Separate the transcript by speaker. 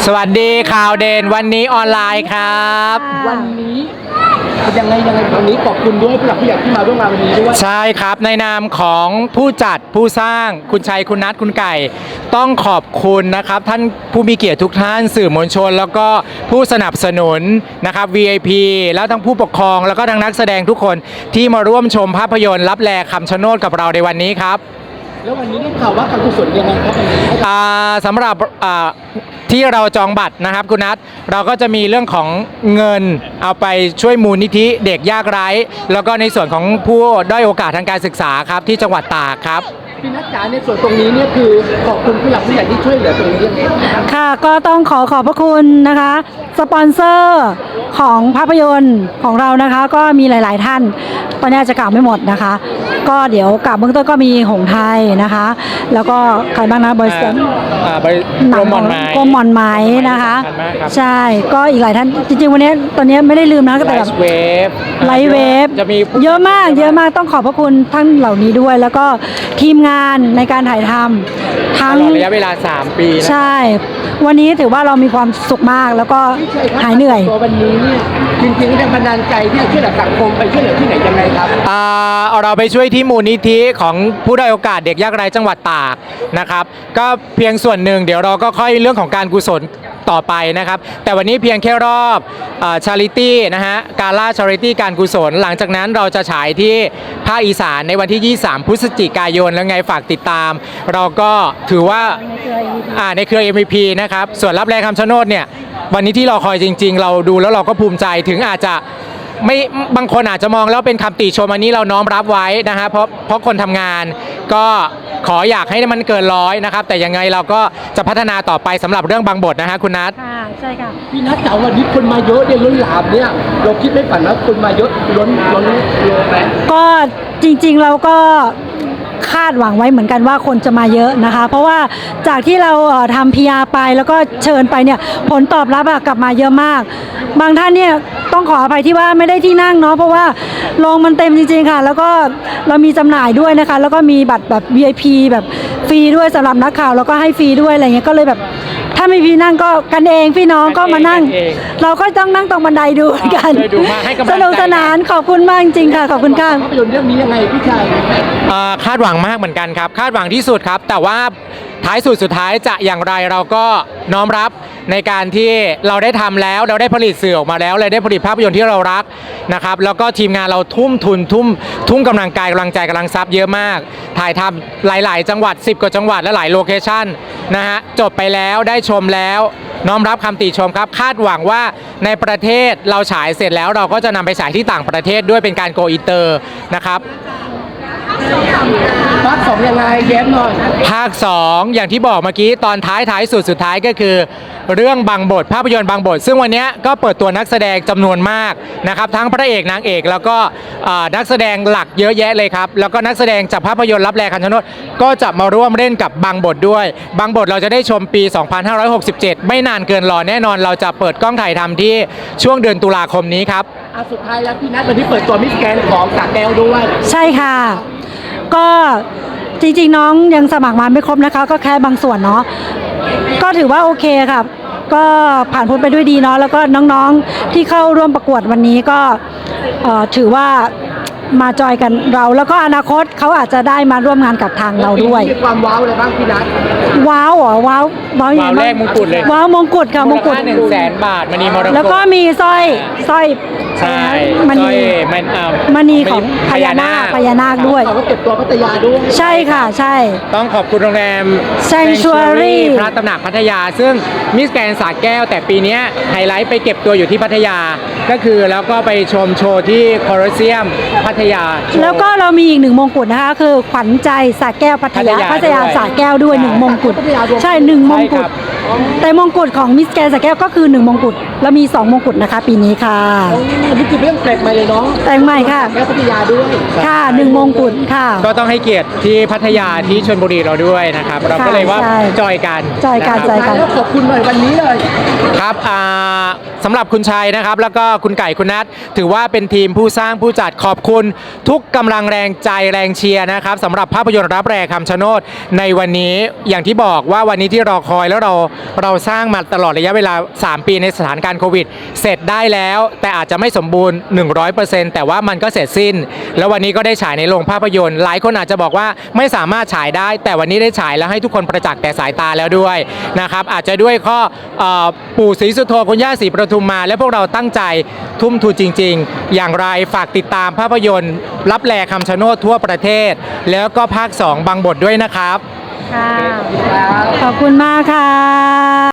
Speaker 1: สวัสดีข่าวเด่นวันนี้ออนไลน์ครับ
Speaker 2: วันนี้ยังไงวันนี้ขอบคุณด้วยผู้หลักผู้ใหญ่ที่มาร่วมงานวันนี้ด้วย
Speaker 1: ใช่ครับในนามของผู้จัดผู้สร้างคุณชัยคุณนัทคุณไก่ต้องขอบคุณนะครับท่านผู้มีเกียรติทุกท่านสื่อมวลชนแล้วก็ผู้สนับสนุนนะครับ VIP แล้วทั้งผู้ปกครองแล้วก็ทั้งนักแสดงทุกคนที่มาร่วมชมภาพยนตร์ลับแลคำชะโนดกับเราในวันนี้ครับ
Speaker 2: แล้ววันนี้ได้ข่าวว่าการกุศลยังไงครับวันนี้
Speaker 1: สำหรับที่เราจองบัตรนะครับคุณนัทเราก็จะมีเรื่องของเงินเอาไปช่วยมูลนิธิเด็กยากไร้แล้วก็ในส่วนของผู้ด้อยโอกาสทางการศึกษาครับที่จังหวัดตากครับ
Speaker 2: พี่นัทจ๋าในส่วนตรงนี้เนี่ยคือขอบคุณผู้หลักผู้ใหญ่ที่ช่วยเหลือตรงนี้
Speaker 3: ค่ะก็ต้องขอบพระคุณนะคะสปอนเซอร์ของภาพยนตร์ของเรานะคะก็มีหลายๆท่านตอนนี้อาจจะกล่าวไม่หมดนะคะก็เดี๋ยวกล่าวเบื้องต้นก็มีหงไทยนะคะแล้วก็ใครบ้างนะบริษัท
Speaker 1: กรมหม่
Speaker 3: อนไม้นะคะใช่ก็อีกหลายท่านจริงๆวันนี้ตอนนี้ไม่ได้ลืมนะแต่แบบไลฟ์เวฟ
Speaker 1: จะมี
Speaker 3: เยอะมากต้องขอบพระคุณท่านเหล่านี้ด้วยแล้วก็ทีมงานในการถ่ายทำทั้ง
Speaker 1: ระยะเวลา3 ปี
Speaker 3: ใช่วันนี้ถือว่าเรามีความสุขมากแล้วก็หายเหนื่อย
Speaker 2: วันนี้เนี่ยจริงๆแรงบันดาลใจที่จะช่วยเหลือสังคมไปช่วยเหลือที่ไหนยังไงครับ
Speaker 1: เราไปช่วยที่มูลนิธิของผู้ด้อยโอกาสเด็กยากไร้จังหวัดตากนะครับก็เพียงส่วนหนึ่งเดี๋ยวเราก็ค่อยเรื่องของการกุศลต่อไปนะครับแต่วันนี้เพียงแค่รอบชาริตี้นะฮะการล่าชาริตี้การกุศลหลังจากนั้นเราจะฉายที่ภาคอีสานในวันที่23พฤศจิกายนแล้วไงฝากติดตามเราก็ถือว่าในเครือ MVP นะครับส่วนรับแรงคำชะโนดเนี่ยวันนี้ที่รอคอยจริงๆเราดูแล้วเราก็ภูมิใจถึงอาจจะไม่บางคนอาจจะมองแล้วเป็นคำติชมอันนี้เราน้อมรับไว้นะฮะเพราะคนทำงานก็ขออยากให้มันเกิน100นะครับแต่ยังไงเราก็จะพัฒนาต่อไปสำหรับเรื่องบางบทนะฮะคุณนัท
Speaker 3: ค่ะใช่ค่ะ
Speaker 2: พี่นัทจ๋าวันนี้คนมาเยอะเนี่ยล้นหลามเนี่ยเราคิดไม่ฝันว่าคนมาเยอะล้นไหม
Speaker 3: ก็จริงๆเราก็คาดหวังไว้เหมือนกันว่าคนจะมาเยอะนะคะเพราะว่าจากที่เราทำ PR ไปแล้วก็เชิญไปเนี่ยผลตอบรับกลับมาเยอะมากบางท่านเนี่ยต้องขออภัยที่ว่าไม่ได้ที่นั่งเนาะเพราะว่าโรงมันเต็มจริงๆค่ะแล้วก็เรามีจำหน่ายด้วยนะคะแล้วก็มีบัตรแบบ VIP แบบฟรีด้วยสำหรับนักข่าวแล้วก็ให้ฟรีด้วยอะไรเงี้ยก็เลยแบบถ้าไม่พี่นั่งก็กันเองพี่น้องก็มานั่งเราก็ต้องนั่งตรงบันไดดูกันสนุกสนานขอบคุณมากจริงค่ะขอบคุณค่ะ
Speaker 2: ภาพยนตร์เรื่องนี้ยังไงพี่ชาย
Speaker 1: คาดหวังมากเหมือนกันครับคาดหวังที่สุดครับแต่ว่าท้ายสุดท้ายจะอย่างไรเราก็น้อมรับในการที่เราได้ทำแล้วเราได้ผลิตสื่อออกมาแล้วเราได้ผลิตภาพยนตร์ที่เรารักนะครับแล้วก็ทีมงานเราทุ่มทุนทุ่มกำลังกายกำลังใจกำลังทรัพย์เยอะมากถ่ายทำหลายๆจังหวัด10 กว่าจังหวัดและหลายโลเคชั่นนะฮะจบไปแล้วได้ชมแล้วน้อมรับคำติชมครับคาดหวังว่าในประเทศเราฉายเสร็จแล้วเราก็จะนำไปฉายที่ต่างประเทศด้วยเป็นการโกอินเตอร์นะครับ
Speaker 2: ภาค 2ยังไงแย้มหน่อย
Speaker 1: ภาค 2อย่างที่บอกเมื่อกี้ตอนท้ายสุดท้ายก็คือเรื่องบางบทภาพยนตร์บางบทซึ่งวันนี้ก็เปิดตัวนักแสดงจำนวนมากนะครับทั้งพระเอกนางเอกแล้วก็นักแสดงหลักเยอะแยะเลยครับแล้วก็นักแสดงจากภาพยนตร์ลับแลคำชะโนดก็จะมาร่วมเล่นกับบางบทด้วยบางบทเราจะได้ชมปี 2567ไม่นานเกินรอแน่นอนเราจะเปิดกล้องถ่ายทำที่ช่วงเดือนตุลาคมนี้ครับ
Speaker 2: สุดท้ายแล้วพี่นัทวันนี้เปิดตัวมิสแกรนด์ของสระแก้วด้วย
Speaker 3: ใช่ค่ะก็จริงๆน้องยังสมัครมาไม่ครบนะคะก็แค่บางส่วนเนาะก็ถือว่าโอเคค่ะก็ผ่านพ้นไปด้วยดีเนาะแล้วก็น้องๆที่เข้าร่วมประกวดวันนี้ก็ถือว่ามาจอยกันเราแล้วก็อนาคตเขาอาจจะได้มาร่วมงานกับทางเราด้วย
Speaker 2: มีความว้าวอะไรบ้างพี่นัท
Speaker 3: ว้าวเหรอว้าว
Speaker 1: แรกมงกุฎเลย
Speaker 3: ว้าวมงกุฎค่ะมงกุฎ
Speaker 1: 100,000 บาทมณีมรกต
Speaker 3: แล้วก็มีสร้อย
Speaker 1: ใช่
Speaker 3: มณีของพญานาคด้วย
Speaker 2: เขาก็เก็บตัวพัทยาด้วย
Speaker 3: ใช่ค่ะใช่
Speaker 1: ต้องขอบคุณโรงแรม
Speaker 3: Sanctuary
Speaker 1: พระตำหนักพัทยาซึ่งมิสแกรนด์สระแก้วแต่ปีนี้ไฮไลท์ไปเก็บตัวอยู่ที่พัทยาก็คือแล้วก็ไปชมโชว์ที่โคลอสเซียมพัทยา
Speaker 3: แล้วก็เรามีอีก1 มงกุฎนะคะคือขวัญใจสระแก้วพัทยาสระแก้วด้วย1 มงกุฎใช่1 มงกุฎแต่มงกุฎของมิสแกรนด์สระแก้วก็คือ1 มงกุฎแล้วมี 2 มงกุฎนะคะปีนี้ค่ะ
Speaker 2: นี่คือเรื่องแปลกใหม่เลยเนาะ
Speaker 3: แต่งใหม่ค่ะ
Speaker 2: แก้วพัทยาด้วย
Speaker 3: ค่ะ1 มงกุฎค่ะ
Speaker 1: ก็ต้องให้เกียรติที่พัทยาที่ชลบุรีเราด้วยนะครับเราก็เลยว่าจอยกัน
Speaker 2: ขอบคุณหน่อยวันนี้เลย
Speaker 1: ครับสำหรับคุณชัยนะครับแล้วก็คุณไก่คุณนัทถือว่าเป็นทีมผู้สร้างผู้จัดขอบคุณทุกกำลังแรงใจแรงเชียร์นะครับสำหรับภาพยนตร์รับแรงคำชะโนดในวันนี้อย่างที่บอกว่าวันนี้ที่รอคอยแล้วเราเราสร้างมาตลอดระยะเวลา 3 ปีในสถานการณ์โควิดเสร็จได้แล้ว แต่อาจจะไม่สมบูรณ์ 100%แต่ว่ามันก็เสร็จสิ้น แล้ววันนี้ก็ได้ฉายในโรงภาพยนตร์หลายคนอาจจะบอกว่าไม่สามารถฉายได้ แต่วันนี้ได้ฉายแล้วให้ทุกคนประจักษ์แต่สายตาแล้วด้วยนะครับอาจจะด้วยข้อปู่ศรีสุโธคุณย่าศรีปทุมมาและพวกเราตั้งใจทุ่มทุนจริงๆอย่างไรฝากติดตามภาพยนตร์รับแลคำชะโนดทั่วประเทศแล้วก็ภาค 2 บางบทด้วยนะครับ
Speaker 3: ค่ะ ขอบคุณมากค่ะ